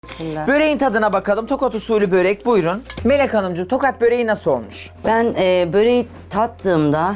Bismillah. Böreğin tadına bakalım. Tokat usulü börek buyurun. Melek Hanımcığım tokat böreği nasıl olmuş? Ben böreği tattığımda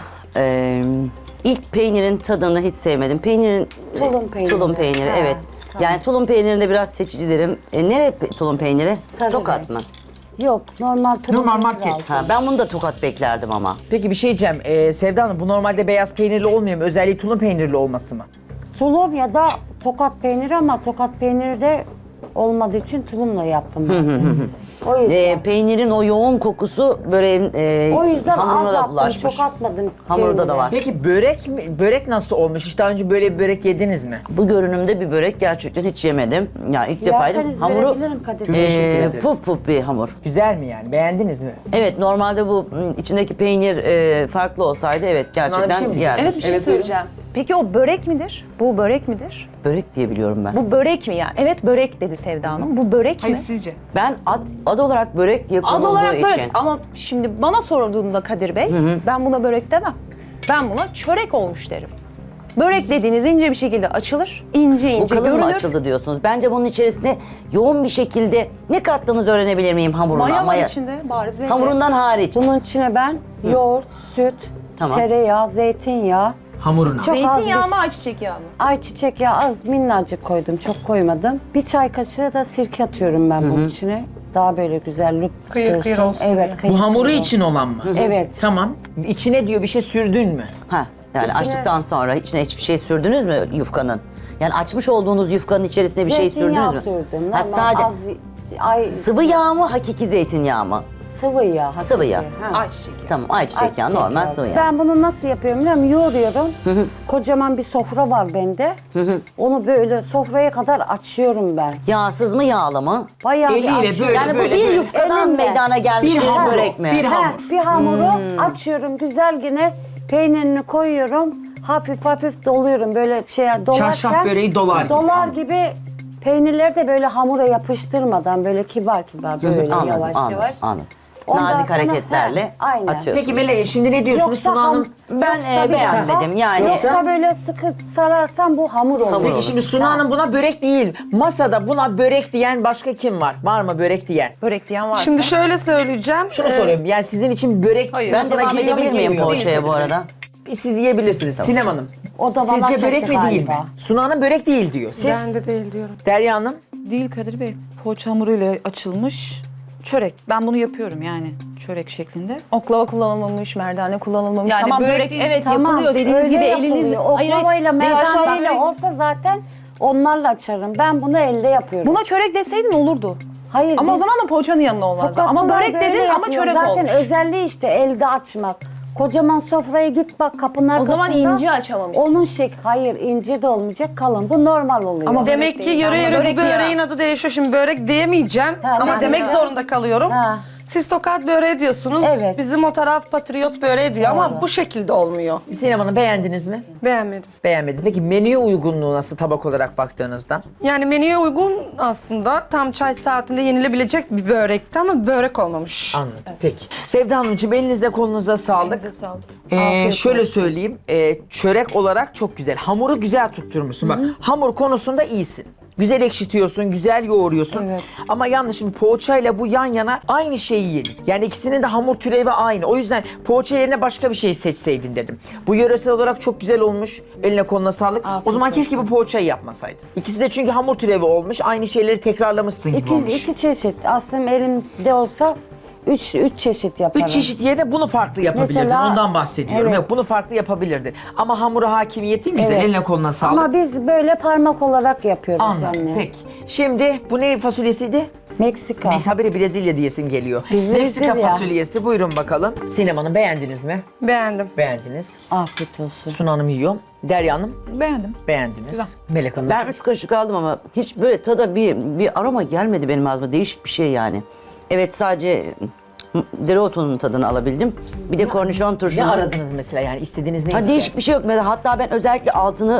ilk peynirin tadını hiç sevmedim. Tulum peyniri. Tulum peyniri, Ha, evet. tamam. Yani tulum peynirinde biraz seçicilerim. Tulum peyniri? Sarı Tokat renk. mı? Yok, normal tulum Normal peyniri market. aldım. Ha, ben bunu da tokat beklerdim ama. Peki bir şey diyeceğim. Sevda Hanım bu normalde beyaz peynirli olmuyor mu? Özelliği tulum peynirli olması mı? Tulum ya da tokat peyniri ama tokat peyniri de olmadığı için tulumla yaptım ben. O yüzden. Peynirin o yoğun kokusu böreğin O yüzden hamuruna az da attım, bulaşmış. çok atmadım. Hamurda da peyniri. var. Peki börek mi? Börek nasıl olmuş? Hiç daha önce böyle bir börek yediniz mi? Bu görünümde bir börek gerçekten hiç yemedim. Yani ilk defa yedim. Yerseniz Hamuru verebilirim Kadir Bey. Teşekkür ederim. puf puf bir hamur. Güzel mi yani? Beğendiniz mi? Evet, normalde bu içindeki peynir farklı olsaydı evet Bana bir gerçekten şey mi yerdim. diyeceksin? Evet bir şey Evet, söyleyeceğim. Peki o börek midir? Bu börek midir? Börek diye biliyorum ben. Bu börek mi yani? Evet börek dedi Sevda Hanım. Bu börek Hayır mi? sizce? Ben ad olarak börek diye Ad konulduğu olarak için. börek ama şimdi bana sorulduğunda Kadir Bey ben buna börek demem. Ben buna çörek olmuş derim. Börek dediğiniz ince bir şekilde açılır, ince Bu ince kalın mı görünür. açıldı diyorsunuz? Bence bunun içerisinde yoğun bir şekilde ne kattığınızı öğrenebilir miyim hamuruna? Maya var içinde bariz belli. Hamurundan hariç. Bunun içine ben yoğurt, süt, Tamam. tereyağı, zeytinyağı, Hamuruna. çok az Zeytinyağı bir mı ayçiçek yağı mı? ayçiçek yağı az minnacık koydum, çok koymadım. Bir çay kaşığı da sirke atıyorum ben bunun içine. Daha böyle güzel look Kıyır kıyır olsun Evet, diye. kıyır Bu hamuru kıyır için olan mı? Evet. Tamam. İçine diyor bir şey sürdün mü? Ha, yani İçine- açtıktan sonra içine hiçbir şey sürdünüz mü yufkanın? Yani açmış olduğunuz yufkanın içerisine bir şey Zeytinyağı sürdünüz mü? sürdüm. Ha, Normal sade. ay, Sıvı yağ mı, hakiki zeytinyağı mı? sıvı yağ. hakiki. Sıvı yağ. Ha. Ayçiçek yağı. Tamam, ayçiçek yağı, normal yağı. sıvı yağ. Ben bunu nasıl yapıyorum biliyor musun? Yoğuruyorum. Kocaman bir sofra var bende. Onu böyle sofraya kadar açıyorum ben. Yağsız mı, yağlı mı? Bayağı bir Eliyle açıyorum. böyle, Yani bu böyle, bir böyle. yufkadan Elimle. meydana gelmiş Bir bir hamur, börek mi? bir hamur. Bir hamuru açıyorum güzel yine peynirini koyuyorum. Hafif hafif doluyorum böyle şeye dolarken. Çarşaf böreği dolar gibi. Dolar gibi peynirleri de böyle hamura yapıştırmadan böyle kibar kibar böyle Anladım, yavaş anladım, yavaş. anladım. Ondan Nazik sonra- hareketlerle He, aynen. atıyorsun. Peki Melek şimdi ne diyorsunuz Yoksa Sunu Hanım? Ben, yoksa bir beğenmedim. daha- Yani- Yoksa böyle sıkı sararsan bu hamur olur. Peki şimdi Sunu Hanım buna börek değil. Masada buna börek diyen başka kim var? Var mı börek diyen? Börek diyen varsa. Şimdi şöyle söyleyeceğim. Şunu soruyorum. Yani sizin için börek Hayır. Ben sınıfına devam giriyor mu edebilir miyim girmiyor mu? poğaçaya bu arada? Siz yiyebilirsiniz. Sinem Hanım. O da bana Sizce börek çekti mi değil mi? galiba. Sunu Hanım börek değil diyor. Siz Ben de değil diyorum. Derya Hanım. Değil Kadir Bey. Poğaça hamuruyla açılmış çörek. Ben bunu yapıyorum yani çörek şeklinde. Oklava kullanılmamış, merdane kullanılmamış. Yani tamam börek börek, değil. evet Tamam, yapılıyor dediğiniz öyle gibi yapılıyor. elinizle. Oklavayla, değil, aşağı merdaneyle börek- olsa zaten onlarla açarım. Ben bunu elde yapıyorum. Buna çörek deseydin olurdu. Hayır. Ama o biz zaman da poğaçanın yanına olmazdı. Ama tokatlılar börek böyle dedin ama yapıyor. çörek zaten olmuş. özelliği işte elde açmak. Kocaman sofraya git bak kapının O arkasında. zaman ince açamamışsın. Onun hayır ince de olmayacak kalın. Bu normal oluyor. Ama Demek ki değil, yöre ama yöre börek bu değil böreğin adı değişiyor. Şimdi börek diyemeyeceğim Ha, ama ben demek de. zorunda kalıyorum. Ha. Siz tokat böreği diyorsunuz. Evet. Bizim o taraf patriot böreği diyor ama bu şekilde olmuyor. Sinem Hanım beğendiniz mi? Beğenmedim. Beğenmediniz. Peki menüye uygunluğu nasıl tabak olarak baktığınızda? Yani menüye uygun aslında. Tam çay saatinde yenilebilecek bir börekti ama börek olmamış. Anladım. Peki. Sevda Hanımcığım elinize kolunuza sağlık. Elinize sağlık. Şöyle söyleyeyim. Çörek olarak çok güzel. Hamuru güzel tutturmuşsun. Bak hamur konusunda iyisin. Güzel ekşitiyorsun, güzel yoğuruyorsun. Ama yanlış şimdi poğaçayla bu yan yana aynı şeyi yedin. Yani ikisinin de hamur türevi aynı. O yüzden poğaça yerine başka bir şey seçseydin dedim. Bu yöresel olarak çok güzel olmuş. Eline koluna sağlık. O zaman keşke bu poğaçayı yapmasaydın. İkisi de çünkü hamur türevi olmuş. Aynı şeyleri tekrarlamışsın gibi olmuş. İki çeşit. Aslında elimde olsa üç çeşit yaparım. 3 çeşit yerine bunu farklı yapabilirdin. Mesela- Ondan bahsediyorum. Evet. Yok bunu farklı yapabilirdin. Ama hamura hakimiyetin güzel. Evet. Eline koluna sağlık. Ama biz böyle parmak olarak yapıyoruz Anladım. anne. Peki. Şimdi bu ne fasulyesiydi? Meksika. Haberi Brezilya diyesim geliyor. Brezilya. Meksika fasulyesi. Buyurun bakalım. Sinem Hanım beğendiniz mi? Beğendim. Beğendiniz. Afiyet olsun. Sunu Hanım yiyor. Derya Hanım Beğendim. beğendiniz. Güzel. Melek Hanım. Ben 3 kaşık aldım ama hiç böyle tada bir aroma gelmedi benim ağzıma. Değişik bir şey yani. Evet sadece dereotunun tadını alabildim. Bir de kornişon ne turşunu. aradınız mesela yani istediğiniz neydi? Ha, değişik bir şey yok. Hatta ben özellikle altını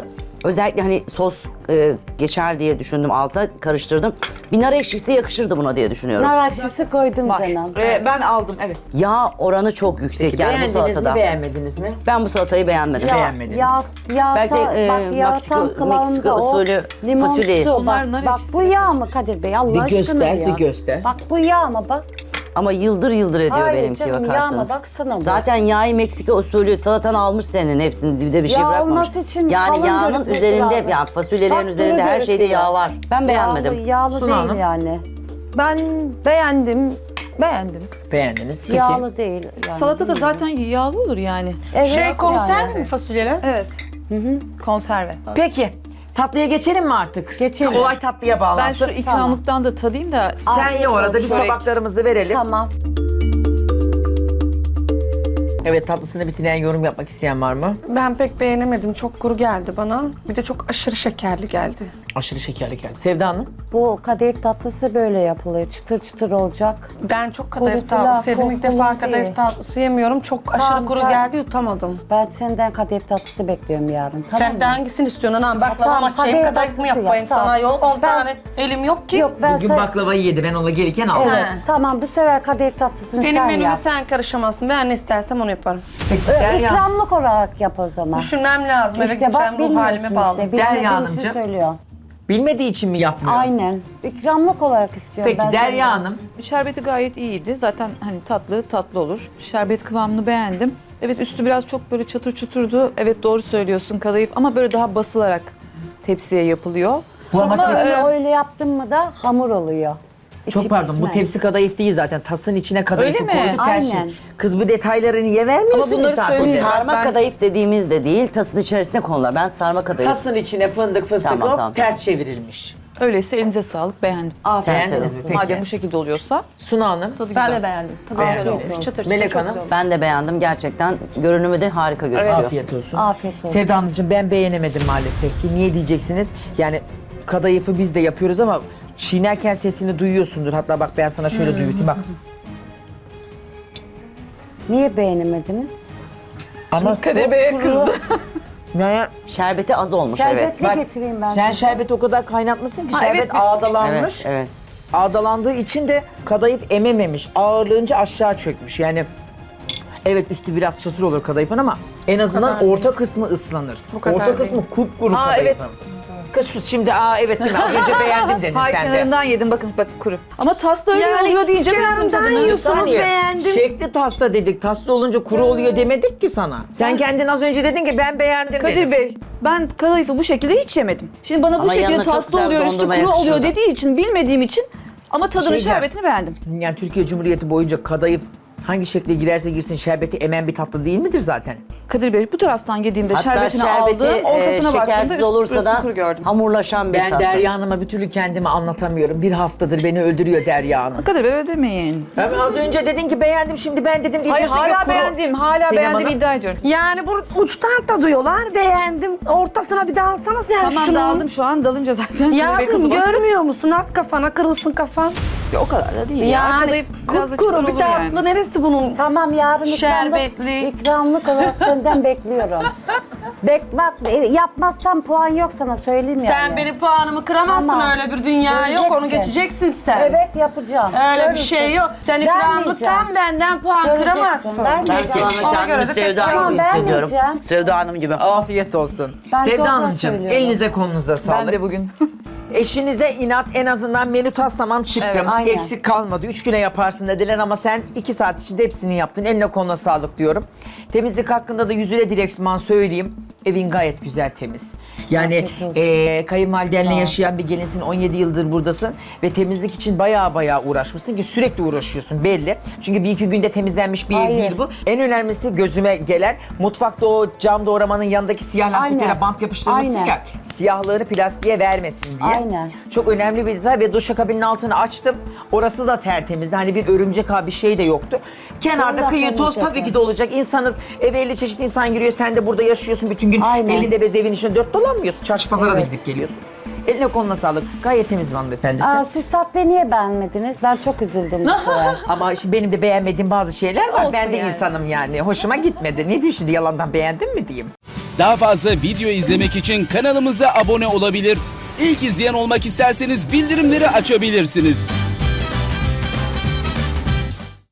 Özellikle hani sos geçer diye düşündüm, alta karıştırdım. Bir nar ekşisi yakışırdı buna diye düşünüyorum. Nar ekşisi koydum Var. canım. Ben aldım, evet. Yağ oranı çok yüksek yani bu Beğendiniz salatada. mi beğenmediniz mi? Ben bu salatayı beğenmedim. Beğenmediniz. Belki de, bak yağ Meksiko- tam kıvamında Meksiko o usulü limon fasulye. su. Bunlar nar Bak ekşisi bu yağ mı Kadir Bey Allah Bir aşkına göster, ya. bir göster. Bak bu yağ mı bak. Ama yıldır yıldır ediyor Hayır benimki canım, bakarsanız. yağma baksana bu. Zaten yağı Meksika usulü salatanı almış senin hepsini, bir de bir şey Yağ bırakmamış. olması için Yani kalın yağının görünmesi üzerinde, lazım. yani fasulyelerin Bak, üzerinde bunu her şeyde gerekiyor. yağ var. Ben beğenmedim. Yağlı Suna değil Hanım. yani. Ben beğendim. Beğendiniz. Peki. Yağlı değil. Yani. Salata da zaten yağlı olur yani. Evet, Konserve yani. mi fasulyeler? Evet. Konserve. Peki. Tatlıya geçelim mi artık? Geçelim. Olay tatlıya Ben bağlansın. şu ikramlıktan da tadayım da. Sen ye orada, biz Çörek. tabaklarımızı verelim. Tamam. Evet, tatlısını bitiren yorum yapmak isteyen var mı? Ben pek beğenemedim. Çok kuru geldi bana. Bir de çok aşırı şekerli geldi. Aşırı şekerli geldi. Sevda Hanım? Bu kadayıf tatlısı böyle yapılıyor. Çıtır çıtır olacak. Ben çok kadayıf Kurutula, tatlısı yedim. İlk defa kokulu kadayıf değil. tatlısı yemiyorum. Çok aşırı Tamam, kuru sen- geldi, yutamadım. Ben senden kadayıf tatlısı bekliyorum yarın. Tamam Sen de mı? hangisini istiyorsun anam? Baklava Tamam, mı açayım, kadayıf kadayıf mı tatlısı yap, yapayım tamam. sana? Yol 10 Ben- tane elim yok ki. Yok ben Bugün sen... baklavayı yedi, ben ona gelirken aldım. Evet, Ha. tamam bu sefer kadayıf tatlısını Benim sen menüme yap. sen karışamazsın. Ben ne istersem onu yaparım. Peki Derya. İkramlık olarak yap o zaman. Düşünmem lazım. Eve gideceğim, ruh bilmiyorsun halime bağlı. işte, Derya bilmediğin için Hanımcığım. söylüyor. Bilmediği için mi yapmıyor? Aynen. İkramlık olarak istiyorum Peki ben Derya senden. Hanım. Şerbeti gayet iyiydi. Zaten hani tatlı olur. Şerbet kıvamını beğendim. Evet, üstü biraz çok böyle çatır çuturdu. Evet, doğru söylüyorsun, kadayıf ama böyle daha basılarak tepsiye yapılıyor. Bu ama Öyle, öyle yaptın mı da hamur oluyor. çok İçi pardon, bu pişmez. tepsi kadayıf değil zaten. Tasın içine kadayıfı Öyle mi? koydu tercih. Aynen. Kız bu detayları niye vermiyorsun? Ama bunları misafire? söyleyeyim. Sarma Ben- kadayıf dediğimiz de değil, tasın içerisine konular. Ben sarma kadayıf. Tasın içine fındık fıstık Tamam, hop, tamam. ters çevrilmiş. Öyleyse elinize sağlık, beğendim. Afiyet Beğendiniz olsun. mi? Peki. Madem bu şekilde oluyorsa Suna Hanım. tadı Ben güzel. de beğendim. Tadı Afiyet güzel olsun. olmuş. Çıtır Melek çok Hanım? güzel olmuş. Ben de beğendim gerçekten. Görünümü de harika gözüküyor. Afiyet olsun. Afiyet olsun. Sevda Hanımcığım, ben beğenemedim maalesef ki. Niye diyeceksiniz? Yani kadayıfı biz de yapıyoruz ama çiğnerken sesini duyuyorsundur. Hatta bak ben sana şöyle duyurtayım bak. Niye beğenemediniz? Ama Kadir Bey'e kızdı. Yani Şerbeti az olmuş evet. Şerbetli bak, getireyim ben. sen şerbeti o kadar kaynatmışsın ki Ha, şerbet evet. ağdalanmış. Evet, evet. Ağdalandığı için de kadayıf emememiş. Ağırlığınca aşağı çökmüş. Yani evet, üstü biraz çatır olur kadayıfın ama en azından kadar orta kısmı ıslanır. kadar Orta değil. kısmı kupkuru Aa, kadayıfın. evet. Kız sus şimdi, evet değil mi? Az önce beğendim dedin Hayır, sen de. kenarından yedim, bakın bak kuru. Ama tasla öyle Yani oluyor deyince beğendim kenarından tadını. Bir yiyorsunuz, saniye. beğendim. Şekli tasta dedik. Tasta olunca kuru oluyor demedik ki sana. Sen kendin az önce dedin ki ben beğendim Kadir dedin. Bey, ben kadayıfı bu şekilde hiç yemedim. Şimdi bana bu Ama şekilde yanına çok taslı güzel oluyor, üstü dondurma kuru oluyor yakışırdı. dediği için, bilmediğim için ama tadını, Şeyden- şerbetini beğendim. Yani Türkiye Cumhuriyeti boyunca kadayıf hangi şekle girerse girsin şerbeti emen bir tatlı değil midir zaten? Kadir Bey, bu taraftan yediğimde Hatta şerbetini şerbeti aldım, ortasına şekersiz baktığımda olursa üstü da kuru gördüm. hamurlaşan bir Ben tatlı. Derya Hanım'a bir türlü kendimi anlatamıyorum. Bir haftadır beni öldürüyor Derya Hanım. Kadir Bey, öyle demeyin. Ben az önce dedin ki beğendim, şimdi ben dedim diye Hayır, diyorsun ki hala kuru. beğendim, hala Sinem beğendim Hanım? iddia ediyorum. Yani bu uçtan tadıyorlar. Beğendim. Ortasına bir daha alsana sen Tamam, şunu. daldım şu an, dalınca zaten. Kadir Bey Yavrum kızdı bana. görmüyor musun? At kafana, kırılsın kafan. O kadar da değil ya. Yani Kadayıf biraz da kupkuru çıtır bir olur tatlı. yani. Neresi bunun? Tamam yarın Şerbetli. ikramlık olarak senden bekliyorum. Bak yapmazsam puan yok sana söyleyeyim yani. Sen benim puanımı kıramazsın, Tamam. öyle bir dünya yok. Onu Göreceksin. geçeceksin sen. Evet yapacağım. Öyle bir Görürsün. şey yok. Sen ikramlıktan Vermeyeceğim. benden puan Göreceksin, kıramazsın. vermeyeceğim. Ben şu Ona anda göre kendimi de Sevda tek- gibi Tamam, hissediyorum. vermeyeceğim. Sevda Hanım gibi. Afiyet olsun. Ben Sevda doğrudan Hanımcığım, söylüyorum. elinize kolunuza Ben sağlık. de bugün. Eşinize inat, en azından menü taslamam çıktım. Evet, aynen. Eksik kalmadı. 3 güne yaparsın dediler ama sen 2 saat içinde hepsini yaptın. Eline koluna sağlık diyorum. Temizlik hakkında da yüzüne direksman söyleyeyim. Evin gayet güzel, temiz. Yani kayınvalidenle yaşayan bir gelinsin, 17 yıldır buradasın ve temizlik için baya uğraşmışsın ki sürekli uğraşıyorsun belli. Çünkü bir iki günde temizlenmiş bir ev Hayır. değil bu. En önemlisi gözüme gelen mutfakta o cam doğramanın yanındaki siyah lastiklere Aynen. bant yapıştırmışsın Aynen. ya, siyahlığını plastiğe vermesin diye. Aynen. Çok önemli bir detay ve duşakabinin altını açtım. Orası da tertemizdi. Hani bir örümcek bir şey de yoktu. Kenarda Sonra kıyı toz temizlik tabii ki yapın. de olacak. İnsanız eve 50 çeşit insan giriyor. Sen de burada yaşıyorsun bütün gün. Aynen. Elinde bez evin içinde dört dolanmıyorsun. Çarşı pazara da gidip geliyorsun. Eline koluna sağlık. Gayet temiz bir hanımefendisin. Siz tatlıyı niye beğenmediniz? Ben çok üzüldüm bu sefer. Ama şimdi benim de beğenmediğim bazı şeyler var. Olsun Ben de yani. insanım yani. Hoşuma gitmedi. Ne diyeyim şimdi, yalandan beğendin mi diyeyim? Daha fazla video izlemek için kanalımıza abone olabilir. İlk izleyen olmak isterseniz bildirimleri açabilirsiniz.